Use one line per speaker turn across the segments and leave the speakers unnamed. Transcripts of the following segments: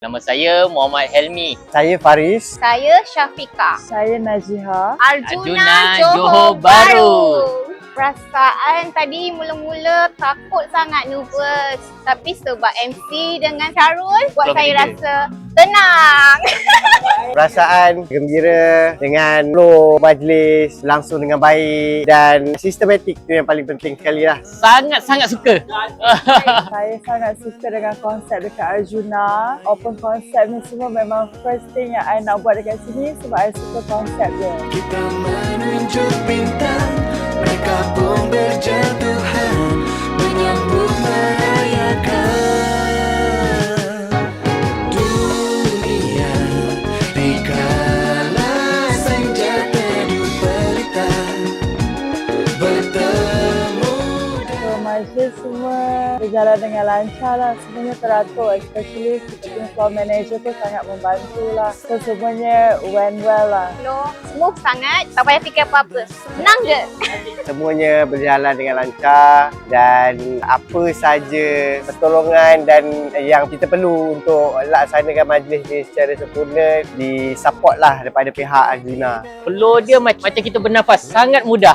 Nama saya Muhammad Helmi.
Saya Faris.
Saya Syafiqah.
Saya Najiha.
Arjuna Johor Bahru. Perasaan tadi mula-mula takut sangat, nervous. Tapi sebab MC dengan Syarul buat saya rasa tenang.
Perasaan gembira dengan flow majlis langsung dengan baik dan sistematik tu yang paling penting sekali lah.
Sangat-sangat suka.
Saya sangat suka dengan konsep dekat Arjuna. Open konsep ni semua memang first thing yang I nak buat dekat sini sebab I suka konsep dia.
Kita menunjuk bintang, mereka pun berjatuhan, menyambut merayakan dunia. Dikala senjata dupelita bertemu.
So majlis semua berjalan dengan lancar lah. Semuanya teratur, especially kita punya floor manager pun sangat membantu lah. So semuanya went well lah.
Smooth sangat, tak payah fikir apa-apa. Senang je.
Semuanya berjalan dengan lancar dan apa saja pertolongan dan yang kita perlu untuk laksanakan majlis ni secara sempurna disupport lah daripada pihak Arjuna.
Flow dia macam kita bernafas, sangat mudah.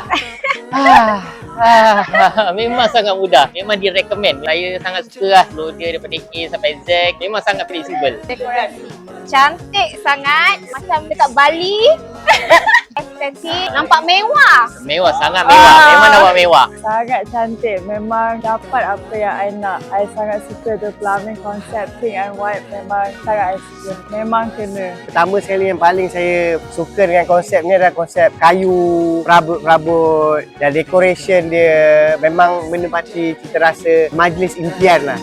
Memang sangat mudah. Memang direkomend. Saya sangat suka lah flow dia daripada A sampai Z. Memang sangat fleksibel.
Dekorasi cantik sangat, macam dekat Bali. Estetik, nampak mewah.
Mewah, sangat mewah. Memang nampak mewah.
Sangat cantik. Memang dapat apa yang I nak. I sangat suka the plumbing konsep pink and white. Memang sangat I suka. Memang kena.
Pertama sekali yang paling saya suka dengan konsep ni adalah konsep kayu, perabot-perabot dan decoration dia memang menempati cita rasa majlis impian lah.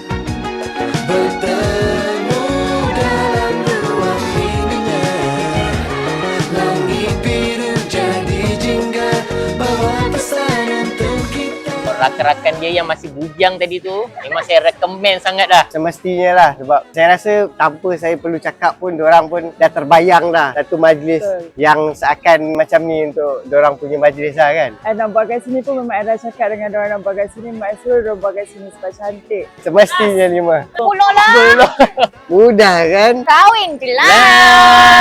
Bertemu dalam ruang ininya, langit biru jadi jingga, bawa pesan untuk kita.
Rakan-rakan dia yang masih bujang tadi tu, memang saya recommend sangat dah.
Semestinya lah sebab saya rasa tanpa saya perlu cakap pun diorang pun dah terbayang dah satu majlis yang seakan macam ni untuk diorang punya majlis lah kan.
I nak buat kat sini pun memang I dah cakap dengan diorang nak buat kat sini. Mak suruh diorang buat kat sini sebab cantik.
Semestinya ni mah.
Pulak lah.
Mudah kan?
Kahwin je lah.